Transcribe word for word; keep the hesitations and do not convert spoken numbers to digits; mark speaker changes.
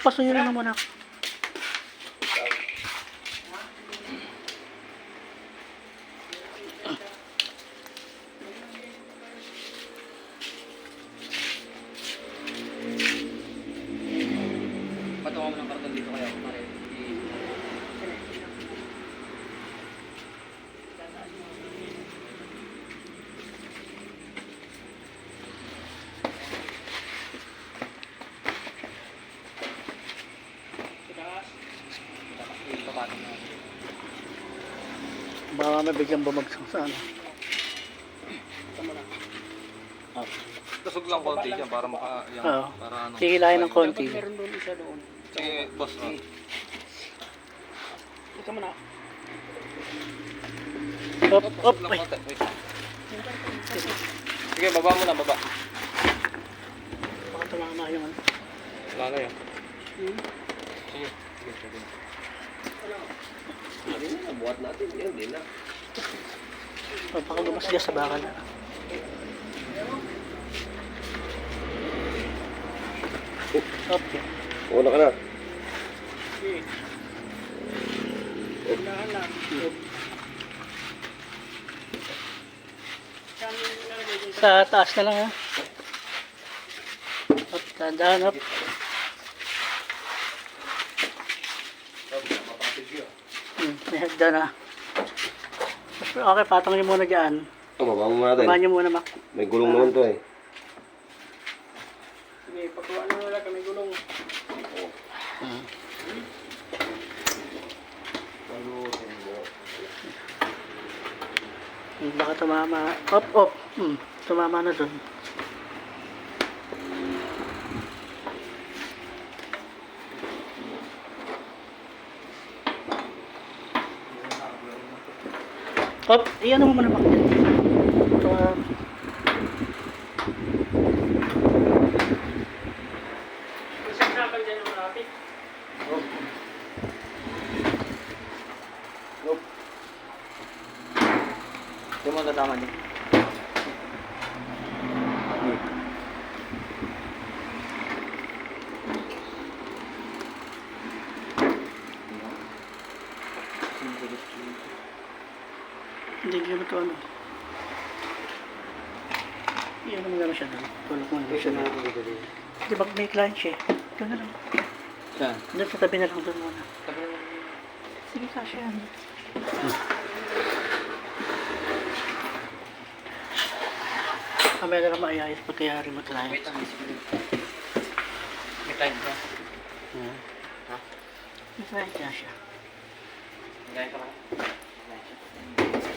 Speaker 1: pasuyo na muna ako.
Speaker 2: Patungan mo ng karton dito kaya ako pare.
Speaker 1: Baka may biglang bumagsak sa ano. Oh.
Speaker 3: Tusog lang konti dyan para maka... Yan,
Speaker 1: Oo.
Speaker 3: para ano.
Speaker 1: Hihilahin ng konti.
Speaker 2: Meron doon isa doon.
Speaker 3: Sige, boss. Ah.
Speaker 2: Ika mo na.
Speaker 1: Op, op,
Speaker 3: Lang
Speaker 1: ay.
Speaker 3: konti. Wait. Sige, baba mo na, baba.
Speaker 1: Baka tumama yung ano.
Speaker 3: Wala na yan.
Speaker 2: Hmm?
Speaker 3: Sige. Sige, sige.
Speaker 2: Hindi na, buhat natin. Yan, hindi na.
Speaker 1: Oh, baka gumasgas sa bakal. Okay.
Speaker 2: Una ka na.
Speaker 1: Sa taas na lang ha. Up, tandaan up. Hmm, may hagda na. Okay, patong niyo muna dyan.
Speaker 2: Oh, baba mo natin.
Speaker 1: Baba niyo muna, Mac.
Speaker 2: May gulong naman to eh.
Speaker 4: Sige, pagkuha na wala kami gulong.
Speaker 1: Hmm. Hmm, baka tumama. Op, op. Hmm, tumama na dun. Op, iyan mo muna, Mac. Ito, ah.
Speaker 4: Isang sakal dyan ang malapit.
Speaker 2: Yung mga kasama niyo.
Speaker 1: Hindi ko na ito ano. Iyan mo gano'n siya doon. Tulog mo na siya doon. Di ba may client siya? Doon na lang.
Speaker 2: Saan?
Speaker 1: Doon sa tabi na lang doon muna. Sige, kasya yan. Kamaya na lang maayayos pagkayari mo client.
Speaker 2: Wait lang, sige. May time ka.
Speaker 1: Hmm.
Speaker 2: Ha?
Speaker 1: May client niya siya.
Speaker 2: Gaya ka ba? Gaya siya.